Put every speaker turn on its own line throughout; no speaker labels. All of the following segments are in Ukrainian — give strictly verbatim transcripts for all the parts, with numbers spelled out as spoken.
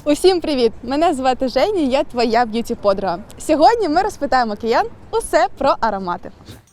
Усім привіт! Мене звати Женя, я твоя б'юті-подруга. Сьогодні ми розпитаємо киян усе про аромати.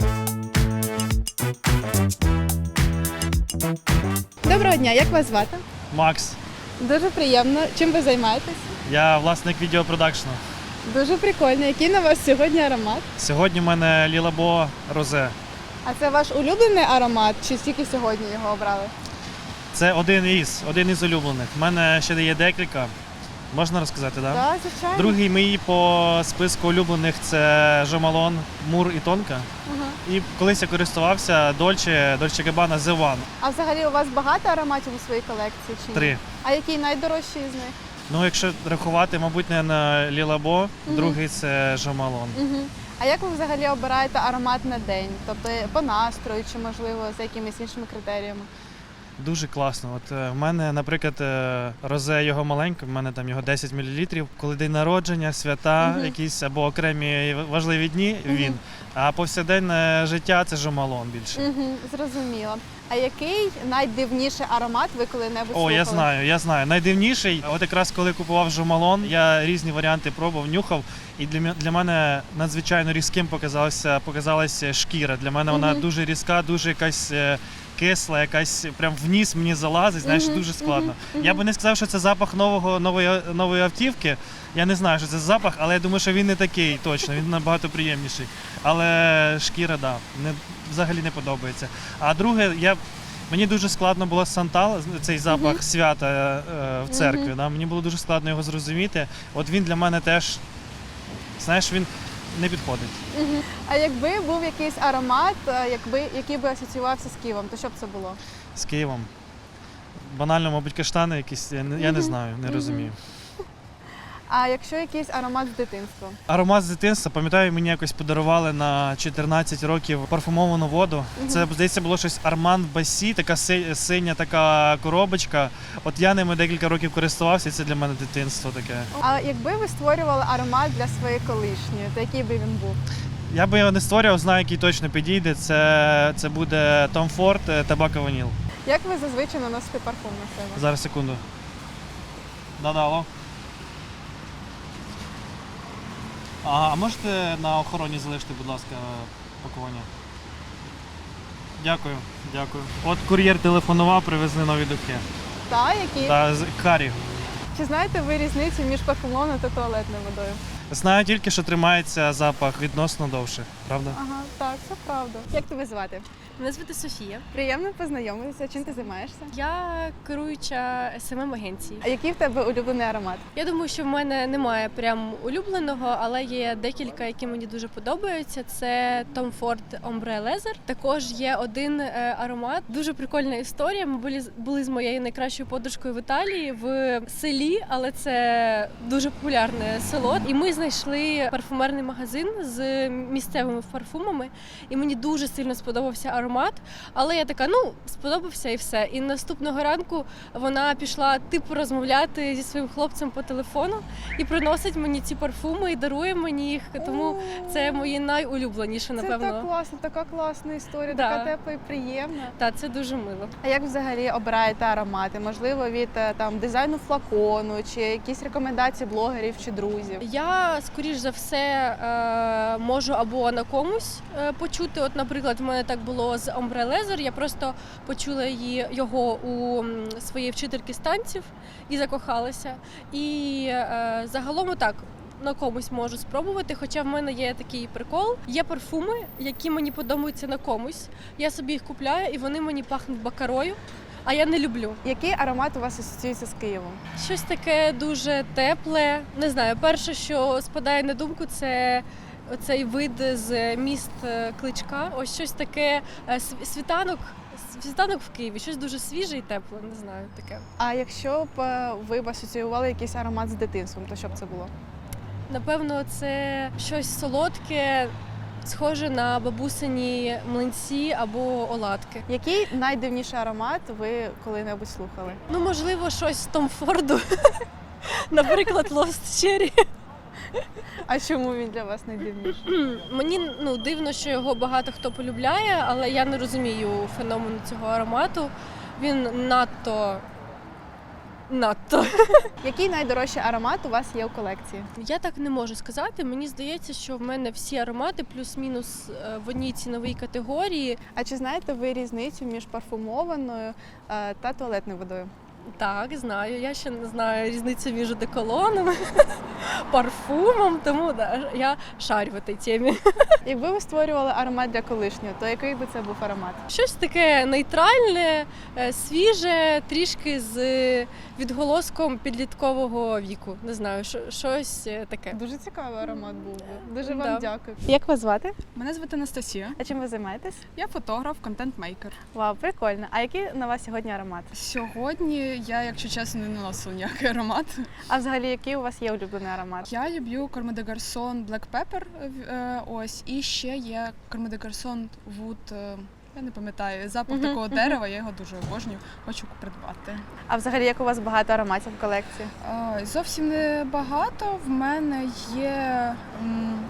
Доброго дня, як вас звати?
Макс.
Дуже приємно. Чим ви займаєтесь?
Я власник відеопродакшну.
Дуже прикольно. Який на вас сьогодні аромат?
Сьогодні в мене Лілабо Розе.
А це ваш улюблений аромат чи тільки сьогодні його обрали?
Це один із, один із улюблених. У мене ще є декілька. Можна розказати, так?
Так, звичайно.
Другий мій по списку улюблених – це Jo Malone, Мур і Тонка.
Ага.
І колись я користувався Dolce, Dolce Gabbana The One.
А взагалі у вас багато ароматів у своїй колекції чи ні?
Три.
А який найдорожчий з них?
Ну, якщо рахувати, мабуть, не на Лілабо,
Мгм.
другий – це Jo Malone.
Угу. А як ви взагалі обираєте аромат на день? Тобто по настрою чи, можливо, за якимись іншими критеріями?
Дуже класно. От е, в мене, наприклад, е, розе його маленьке, в мене там його десять мілілітрів. Коли день народження, свята,
Мгм.
якісь або окремі важливі дні,
Мгм.
він. А повсякденне життя це Jo Malone більше.
Угу, зрозуміло. А який найдивніший аромат ви коли-небудь
О,
слухали?
я знаю, я знаю. Найдивніший, от якраз коли купував Jo Malone, я різні варіанти пробував, нюхав, і для, м- для мене надзвичайно різким показалася, показалася шкіра. Для мене вона
Мгм.
дуже різка, дуже якась е, кисла, якась прям в ніс мені залазить, знаєш,
Мгм,
дуже складно.
мгм,
Я
мгм.
би не сказав, що це запах нового, нової, нової автівки. Я не знаю, що це за запах, але я думаю, що він не такий точно, він набагато приємніший. Але шкіра, да, не, взагалі не подобається. А друге, я, мені дуже складно було Сантал, цей запах
Мгм.
свята е, в церкві.
Мгм.
Да, мені було дуже складно його зрозуміти. От він для мене теж, знаєш, він не підходить.
Угу. А якби був якийсь аромат, е, якби, який би асоціювався з Києвом, то що б це було?
З Києвом. Банально, мабуть, каштани якісь, я не, я не
Мгм.
знаю, не
Мгм.
розумію.
А якщо якийсь аромат з дитинства?
Аромат з дитинства, пам'ятаю, мені якось подарували на чотирнадцять років парфумовану воду.
Мгм.
Це, здається, було щось Арман Басі, така си- синя така коробочка. От я ними декілька років користувався, і це для мене дитинство таке.
А якби ви створювали аромат для своєї колишньої, то який би він був?
Я би його не створював, знаю, який точно підійде. Це, це буде Tom Ford Tobacco Vanille.
Як ви зазвичай наносите парфум на себе?
Зараз секунду. Да-да, алло. Ага, а можете на охороні залишити, будь ласка, пакування? Дякую, дякую. От кур'єр телефонував, привезли нові духи.
Та, які?
Та з Харі.
Чи знаєте ви різницю між парфумованою та туалетною водою?
Знаю тільки, що тримається запах відносно довше, правда?
Ага, так, це правда. Як тебе звати?
Мене звати Софія.
Приємно познайомитися. Чим ти займаєшся?
Я керуюча ес ем ем агенції.
А який в тебе улюблений аромат?
Я думаю, що в мене немає прям улюбленого, але є декілька, які мені дуже подобаються. Це Tom Ford Ombre Leather. Також є один е, аромат. Дуже прикольна історія. Ми були, були з моєю найкращою подружкою в Італії в селі, але це дуже популярне село. І ми знайшли парфумерний магазин з місцевими парфумами. І мені дуже сильно сподобався аромат. Але я така, ну, сподобався і все. І наступного ранку вона пішла типу розмовляти зі своїм хлопцем по телефону і приносить мені ці парфуми і дарує мені їх. Тому це мої найулюбленіші, напевно.
Це так класно, така класна історія,
Да.
така тепла і приємна.
Та це дуже мило.
А як взагалі обираєте аромати? Можливо, від е, там дизайну флакону, чи якісь рекомендації блогерів чи друзів?
Я, скоріш за все, е, можу або на комусь е, почути. От, наприклад, в мене так було з Ombre Leather. Я просто почула її, його у м, своєї вчительки з танців і закохалася. І е, загалом так. На комусь можу спробувати, хоча в мене є такий прикол. Є парфуми, які мені подобаються на комусь. Я собі їх купляю і вони мені пахнуть бакарою, а я не люблю.
Який аромат у вас асоціюється з Києвом?
Щось таке дуже тепле. Не знаю, перше, що спадає на думку, це оцей вид з міст е, Кличка. Ось щось таке е, св- світанок. Світанок в Києві, щось дуже свіже і тепле, не знаю, таке.
А якщо б е, ви б асоціювали якийсь аромат з дитинством, то що б це було?
Напевно, це щось солодке, схоже на бабусині млинці або оладки.
Який найдивніший аромат ви коли-небудь слухали?
Ну, можливо, щось з Том Форду. Наприклад, Lost Cherry.
А чому він для вас найдивніший?
Мені ну, дивно, що його багато хто полюбляє, але я не розумію феномену цього аромату. Він надто Надто.
Який найдорожчий аромат у вас є у колекції?
Я так не можу сказати. Мені здається, що в мене всі аромати плюс-мінус е, в одній ціновій категорії.
А чи знаєте ви різницю між парфумованою е, та туалетною водою?
Так, знаю. Я ще не знаю різницю між одеколоном, парфумом, тому да, я шарю в цій темі.
Якби ви створювали аромат для колишнього, то який би це був аромат?
Щось таке нейтральне, е, свіже, трішки з відголоском підліткового віку. Не знаю, що- щось е, таке.
Дуже цікавий аромат був би. Дуже
Да.
вам дякую. Як вас звати?
Мене звати Анастасія.
А чим ви займаєтесь?
Я фотограф, контент-мейкер.
Вау, прикольно. А який на вас сьогодні аромат?
Сьогодні я, якщо чесно, не наносила ніякий аромат.
А взагалі, який у вас є улюблений аромат?
Я люблю Comme des Garçons Black Pepper, е, ось, і ще є Comme des Garçons Wood, е, я не пам'ятаю, запах
Мгм,
такого
мгм.
дерева, я його дуже обожнюю, хочу придбати.
А взагалі, як у вас багато ароматів в колекції?
Е, Зовсім не багато. В мене є м,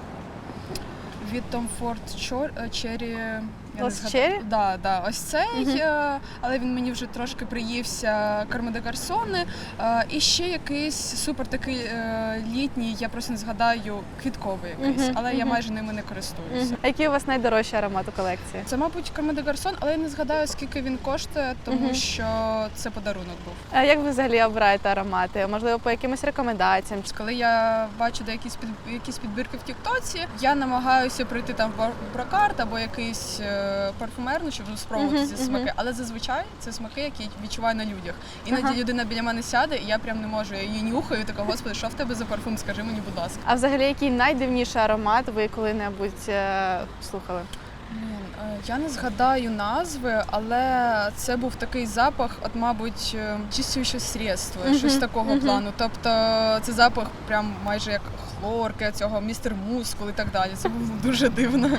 від Tom Ford Chor- е, Cherry. я не
Lost
згадаю.
Cherry?
Да, да, ось цей,
Мгм.
е, але він мені вже трошки приївся Comme des Garçons. Е, І ще якийсь супер такий е, літній, я просто не згадаю, квітковий якийсь,
Мгм,
але я
мгм.
майже ними не користуюся.
Мгм. А який у вас найдорожчий аромат у колекції?
Це, мабуть, Comme des Garçons, але я не згадаю, скільки він коштує, тому
Мгм.
що це подарунок був.
А як ви взагалі обираєте аромати? Можливо, по якимось рекомендаціям?
Коли я бачу де якісь під якісь підбірки в Тіктоці, я намагаюся прийти там в бар- брокарт або якийсь е, парфумерну, щоб спробувати
Мгм,
ці
мгм.
смаки. Але зазвичай це смаки, які відчуваю на людях. Іноді
Ага.
людина біля мене сяде, і я прям не можу. Я її нюхаю, і така, господи, що в тебе за парфум? Скажи мені, будь ласка.
А взагалі, який найдивніший аромат ви коли-небудь е, слухали?
Блін, е, я не згадаю назви, але це був такий запах, от, мабуть, е, чистюще средство,
Мгм,
щось такого
мгм.
плану. Тобто це запах прям майже як хлорки, цього містер мускул і так далі. Це було дуже дивно.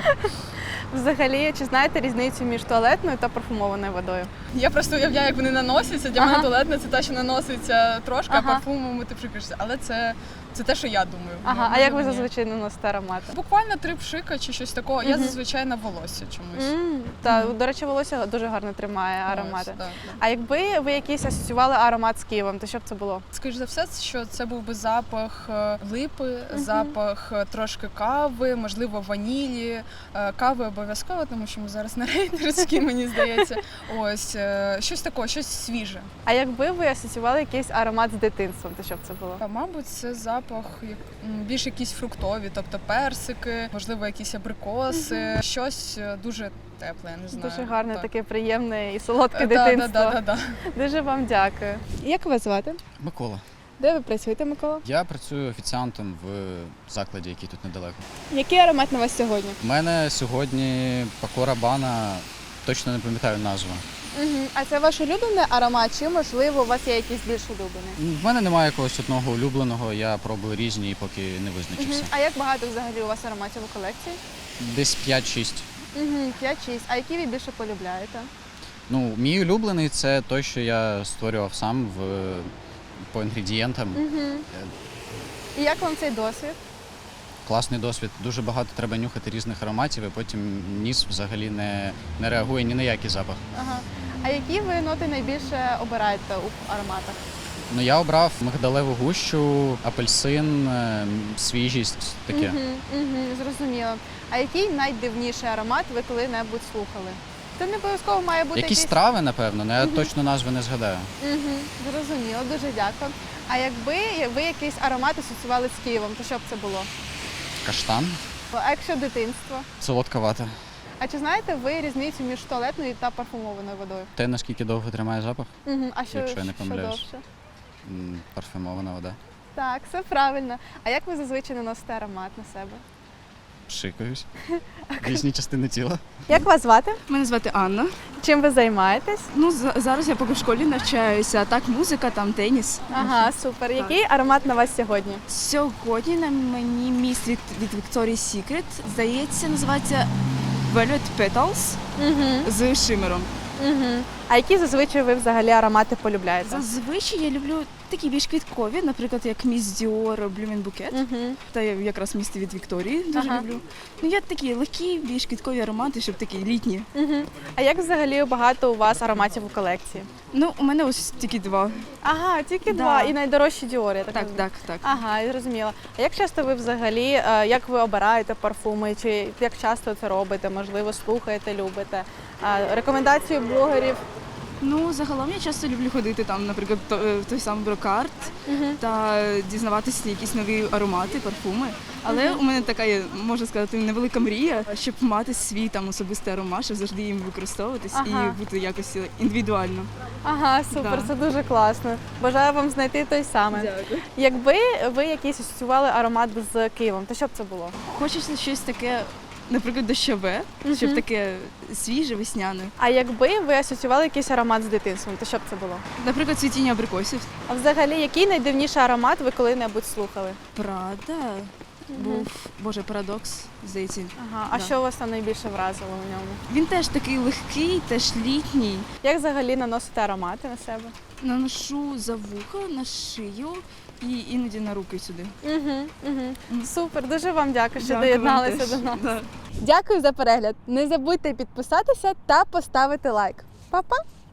Взагалі, чи знаєте різницю між туалетною та парфумованою водою?
Я просто уявляю, як вони наносяться. Для
Ага.
мене туалетна це те, що наноситься трошки,
Ага.
а парфумом ти пшикаєшся. Але це, це те, що я думаю.
Ага, а
Може,
як ви
ні.
зазвичай наносите аромати?
Буквально три пшика чи щось такого. Я
Мгм.
зазвичай на волосся чомусь.
М, Та,
Мгм.
до речі, волосся дуже гарно тримає аромати.
Ось, да, да.
А якби ви якийсь асоціювали аромат з Києвом, то що б це було?
Скоріш за все, що це був би запах е, липи,
Мгм.
запах е, трошки кави, можливо, ванілі. Е, Кави обов'язково, тому що ми зараз на рейдерській, мені здається. Ось е, щось таке, щось свіже.
А якби ви асоціювали якийсь аромат з дитинством, то що б це було?
А, Мабуть, це запах як- м, більш якісь фруктові, тобто персики, можливо, якісь абрикоси, щось е, дуже тепле, я не знаю.
Дуже гарне,
Так.
таке приємне і солодке
Е, да,
дитинство.
да, да, да, да.
Дуже вам дякую. Як вас звати?
Микола.
Де ви працюєте, Микола?
Я працюю офіціантом в закладі, який тут недалеко.
Який аромат на вас сьогодні?
У мене сьогодні Пако Рабана, точно не пам'ятаю назву.
Угу. А це ваш улюблений аромат, чи можливо у вас є якийсь більш улюблений?
В мене немає якогось одного улюбленого, я пробую різні, поки не визначився.
Угу. А як багато взагалі у вас ароматів у колекції?
Десь п'ять-шість.
Угу. п'ять-шість. А які ви більше полюбляєте?
Ну, мій улюблений це той, що я створював сам в, по інгредієнтам.
Угу. І як вам цей досвід?
Класний досвід. Дуже багато треба нюхати різних ароматів, і потім ніс взагалі не, не реагує ні на який запах.
Ага. А які ви ноти найбільше обираєте у ароматах?
Ну, я обрав мигдалеву гущу, апельсин, е, свіжість, таке.
Угу. Угу. Зрозуміло. А який найдивніший аромат ви коли-небудь слухали? Це не обов'язково має бути
Якісь
якийсь...
трави, напевно, але я
Мгм.
точно назви не згадаю.
Угу. Зрозуміло, дуже дякую. А якби ви якийсь аромат асоціювали з Києвом, то що б це було?
Каштан,
А якщо дитинство?
солодка вата.
А чи знаєте ви різницю між туалетною та парфумованою водою?
Те, наскільки довго тримає запах,
Угу. А що,
Якщо я не
що
помиляюсь.
довше?
М, парфюмована вода.
Так, все правильно. А як ви зазвичай наносите аромат на себе?
Пшикаюсь. Різні частини тіла.
Як вас звати?
Мене звати Анна.
Чим ви займаєтесь?
Ну за- зараз я поки в школі навчаюся. а Так, музика, там теніс.
Ага, супер. Який аромат на вас сьогодні?
Сьогодні на мені міст від, від Victoria's Secret. Здається, називається Velvet Petals
Угу.
з шимером.
Угу. А які зазвичай ви взагалі аромати полюбляєте?
Зазвичай я люблю такі більш квіткові, наприклад, як Міс Dior Blooming Bouquet.
Угу.
Та я якраз місто від Вікторії дуже
Ага.
люблю. Ну я такі легкі, більш квіткові аромати, щоб такі літні.
Угу. А як взагалі багато у вас ароматів у колекції?
Ну, у мене ось тільки два.
Ага, тільки
Да.
два. І найдорожчі Dior, я так
Так,
розумію.
так, так.
Ага, я зрозуміла. А як часто ви взагалі, е, як ви обираєте парфуми, чи як часто це робите? Можливо, слухаєте, любите? А, рекомендації блогерів?
Ну, загалом я часто люблю ходити там, наприклад, то- е, в той самий брокарт та дізнаватися якісь нові аромати, парфуми. Але у мене така є, можна сказати, невелика мрія, щоб мати свій там особистий аромат, щоб завжди їм використовуватись
Ага.
і бути якось індивідуально.
Ага, супер,
Да.
це дуже класно. Бажаю вам знайти той самий.
Дякую.
Якби ви якийсь асоціювали аромат з Києвом, то що б це було?
Хочеться щось таке, наприклад, дощове, щоб
Мгм.
таке свіже, весняне.
А якби ви асоціювали якийсь аромат з дитинством, то що б це було?
Наприклад, цвітіння абрикосів.
А взагалі, який найдивніший аромат ви коли-небудь слухали?
Прада був, боже, парадокс, здається.
Ага, а
Да.
що вас там найбільше вразило в ньому?
Він теж такий легкий, теж літній.
Як взагалі наносите аромати на себе?
Наношу за вуха, на шию і іноді на руки сюди.
Угу, угу.
Мгм.
Супер, дуже вам дякую, що
Дякую вам
доєдналися
теж.
до нас.
Да.
Дякую за перегляд. Не забудьте підписатися та поставити лайк. Па-па!